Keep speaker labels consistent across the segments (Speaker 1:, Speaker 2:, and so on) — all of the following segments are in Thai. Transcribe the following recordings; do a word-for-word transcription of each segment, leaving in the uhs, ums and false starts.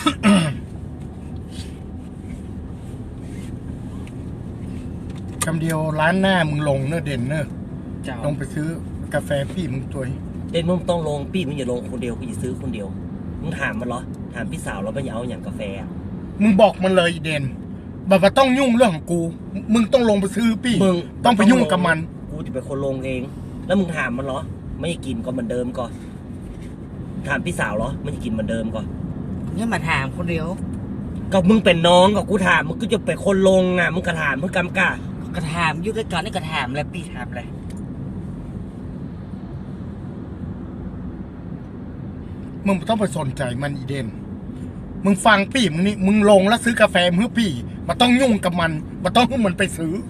Speaker 1: คำเดียวร้านหน้ามึงลงเนอะเด่นเนอะลงไปซื้อกาแฟพี่มึงตัว
Speaker 2: เด่นมึงต้องลงพี่มึงอย่าลงคนเดียวกูจะซื้อคนเดียวมึงถามมันเหรอถามพี่สาวแล้วมันจะเอาอย่างกาแฟ
Speaker 1: มึงบอกมันเลยเด่นบอกว่าต้องยุ่งเรื่องของกูมึงต้องลงไปซื้อพี่มึงต้องไปยุ่งกับมัน
Speaker 2: กูจะเป็นคนลงเองแล้วมึงถามมันเหรอไม่กินก็เหมือนเดิมก่อนถามพี่สาวเหรอไม่กินเหมือนเดิมก่อน
Speaker 3: เนี่ยมาถามคนเดียว
Speaker 2: ก็มึงเป็นน้องกับกูถามมึงก็จะเป็นคนลงอ่ะมึงกระถามมึงกำกะ
Speaker 3: กระถามยุ่งด้วยกันนี่กระถามแล้วพี่ถามเลย
Speaker 1: มึงต้องไปสนใจมันอีเดนมึงฟังพี่มึงนี่มึงลงแล้วซื้อกาแฟเพื่อพี่มาต้องยุ่งกับมันมาต้องให้มันไปซื้อ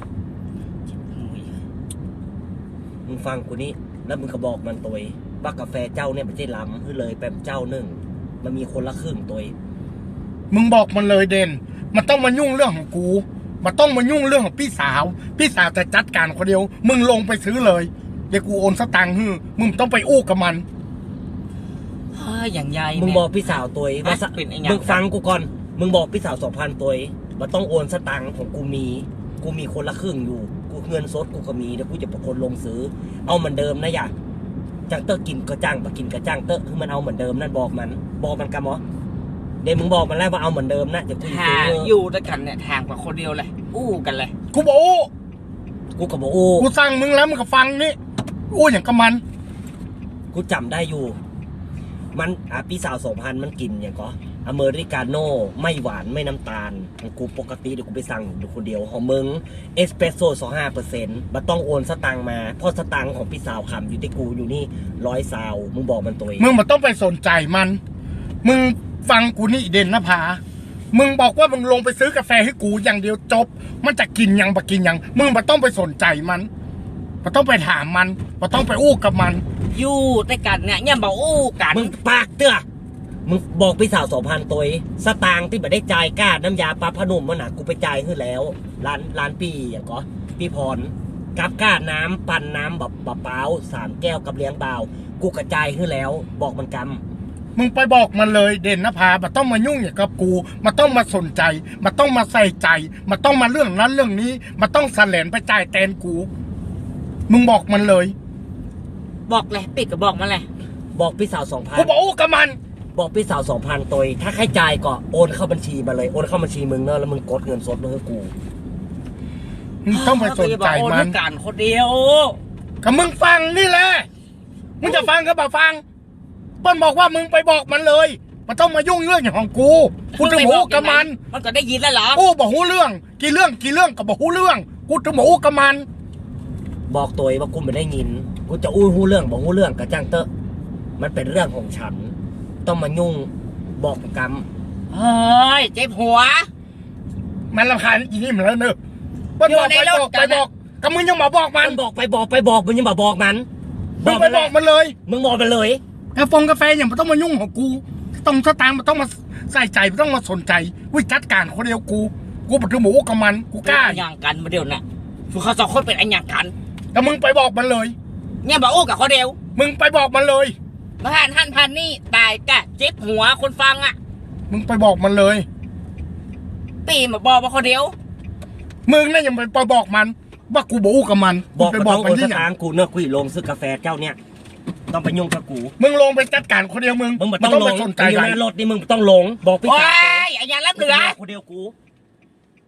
Speaker 2: มึงฟังกูนี่แล้วมึงก็บอกมันตัวว่ากาแฟเจ้าเนี่ยไม่ใช่ล้ำคือเลยแป๊บเจ้าหนึ่งมันมีคนละครึ่งตัว
Speaker 1: มึงบอกมันเลยเด่นมันต้องมายุ่งเรื่องของกูมันต้องมายุ่งเรื่องของพี่สาวพี่สาวจะจัดการคนเดียวมึงลงไปซื้อเลยเดี๋ยวกูโอนสตางค์ให้มึงต้องไปอู้กับมัน
Speaker 3: เฮ้ยอย่างใหญ่
Speaker 2: มึงบอกพี่สาวตัวว่ามึงฟังกูก่อนมึงบอกพี่สาวสองพันตัวว่าต้องโอนสตางค์ของกูมีกูมีคนละครึ่งอยู่กูเงินสดกูก็มีเดี๋ยวกูจะเป็นคนลงซื้อเอาเหมือนเดิมนะอย่าจังเตอร์กินก็จ้างปะกินก็จ้างเตอร์คือมันเอาเหมือนเดิมนั่นบอกมันบอกมันกันมั้เดี๋ยวมึงบอกมันแล้วว่าเอาเหมือนเดิมนะจะกู
Speaker 3: ทางอยู่ด้วยกันเนี่ยทางกว่าคนเดียวเลยอู้กันเลย
Speaker 1: กูบอกอู้
Speaker 2: กูก็บอกอู้
Speaker 1: กูสั่งมึงแล้วมึงก็ฟังนี่อู้อย่างกับมัน
Speaker 2: กูจำได้อยู่มันอ่ะพี่สาวสองพันมันกินอย่างก็อเมริกาโน่ไม่หวานไม่น้ำตาลของกูปกติเดี๋ยวกูไปสั่งอยู่คนเดียวของมึงเอสเปรสโซ่สองห้าเปอร์เซ็นต์มันต้องโอนสตังมาเพราะสตังของพี่สาวคำอยู่ที่กูอยู่นี่ร้อยซาวมึงบอกมันตัวเอง
Speaker 1: มึงมันต้องไปสนใจมันมึงฟังกูนี่เด่นนะพามึงบอกว่ามึงลงไปซื้อกาแฟให้กูอย่างเดียวจบมันจะกินยังบะกินยังมึงมันต้องไปสนใจมันมันต้องไปถามมันมันต้องไปอู้กับมัน
Speaker 3: อยู่ด้วยกันเนี่ยเนี่ยบอกอู้กัน
Speaker 2: มึงปากเตื้อมึงบอกพี่สาวสองพันตัวสตางค์ที่แบบได้จ่ายก้าน้ำยาปลาพนุ่มมันหนักกูไปจ่ายขึ้นแล้วร้านร้านปีอย่างก็พี่พรกับก้าน้ำปั่นน้ำแบบเปล่าสามแก้วกับเลี้ยงเบากูกระจายขึ้นแล้วบอกมันกำ
Speaker 1: มึงไปบอกมันเลยเด่นนภามันต้องมายุ่งอย่างกับกูมันต้องมาสนใจมันต้องมาใส่ใจมันต้องมาเรื่องนั้นเรื่องนี้มันต้องแสลนไปจ่ายแทนกูมึงบอกมันเลย
Speaker 3: บอกเลยปิดก็บอกมันเลย
Speaker 2: บอกพี่สาวสองพัน
Speaker 1: กูบอกอู้กับมัน
Speaker 2: บอกพี่สาวสองพันตัวถ้าใครจ่ายก็โอนเข้าบัญชีมาเลยโอนเข้าบัญชีมึงเนอะแล้วมึงกดเงินสดมาให้กู
Speaker 1: มึงต้องไปสนใจมัน
Speaker 3: การคนเดียว
Speaker 1: กับมึงฟังนี่แหละมึงจะฟังก็บ่ฟังเปิ้ลบอกว่ามึงไปบอกมันเลยมันต้องมายุ่งเรื่องอย่างของกูกูจะหูกับมัน
Speaker 3: มันก็ได้ยินแล้วเหรอ
Speaker 1: โอ้บอกหูเรื่องกี่เรื่องกี่เรื่องกับบอกหูเรื่องกูจะหูกับมัน
Speaker 2: บอกตัวว่ากูไม่ได้ยินกูจะอู้หูเรื่องบอกหูเรื่องกับจ้างเตอะมันเป็นเรื่องของฉันต้องมายุ่งบอกกรรม
Speaker 3: เฮ้ยเจ็บหัว
Speaker 1: มันรำคาญอีนี่เหมือนแล้วเนอะเปิ้ลบอกไปบอกไปบอกกับมึงยังมาบอกมัน
Speaker 2: บอกไปบอกไปบอกมึงยังมาบอกมัน
Speaker 1: มึงไปบอกมันเลย
Speaker 2: มึงบอกมันเลย
Speaker 1: กาแฟกาแฟอย่างมันต้องมายุ่งของกูต้องสตางค์มันต้องมาใส่ใจมันต้องมาสนใจวิจัดการคนเดียวกูกูปฏิหมูกับมันกูกล้า
Speaker 3: อย่างกันมาเดียวน่ะพวกเขาสองคนเป็นอันอย่างกัน
Speaker 1: แต่มึงไปบอกมันเลย
Speaker 3: เนี่ยบอกโอ้กับคนเดียว
Speaker 1: มึงไปบอกมันเลย
Speaker 3: มาหันหันพันนี่ตายกะเจ็บหัวคนฟังอ่ะ
Speaker 1: มึงไปบอกมันเลย
Speaker 3: ตีมาบอกมาคนเดียว
Speaker 1: มึงน่ะยังไปบอกมันว่ากูบอกกับมัน
Speaker 2: บอกไปบอกมันที่ทางกูเนื้อคุยลงซื้อกาแฟเจ้าเนี่ยต้องไปยุ่งกับกู
Speaker 1: มึงลงไปจัดการคนเดียวมึง
Speaker 2: มึงต้องไปสนใจรถนี่มึงต้องลงบอกพี่
Speaker 3: สาวไอ้ยังรับเหลือ
Speaker 2: คนเดียวกู